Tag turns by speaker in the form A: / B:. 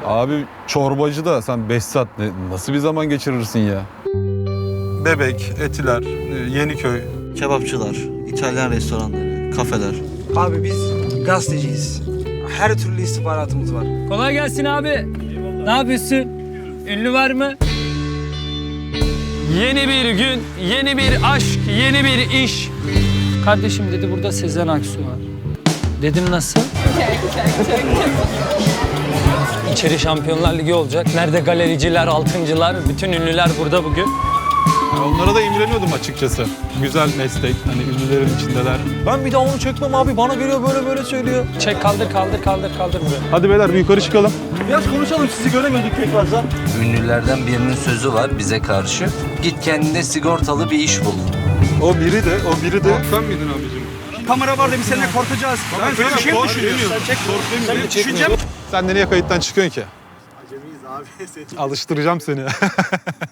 A: Abi çorbacı da sen 5 saat nasıl bir zaman geçirirsin ya? Bebek, Etiler, Yeniköy.
B: Kebapçılar, İtalyan restoranları, kafeler.
C: Abi biz gazeteciyiz. Her türlü istihbaratımız var.
D: Kolay gelsin abi. Ne yapıyorsun? Ünlü var mı? Yeni bir gün, yeni bir aşk, yeni bir iş. Kardeşim dedi burada Sezen Aksu var. Dedim nasıl? İçeri Şampiyonlar Ligi olacak. Nerede galericiler, altıncılar, bütün ünlüler burada bugün.
A: Ya onlara da imreniyordum açıkçası. Güzel meslek, hani ünlülerin içindeler.
E: Ben bir daha onu çekmem abi. Bana geliyor böyle söylüyor.
D: Çek kaldır buraya.
A: Hadi beyler bir yukarı çıkalım.
E: Biraz konuşalım. Sizi göremedik pek fazla.
F: Ünlülerden birinin sözü var bize karşı. Git kendine sigortalı bir iş bul.
A: O biri de. Sen miydin abicim?
E: Kamera var da biz seninle korkacağız. Ben böyle bir şey mi düşünüyorsun? Sen bir düşüneceğim.
A: Sen de niye kayıttan çıkıyorsun ki? Acemiyiz abi. Alıştıracağım seni.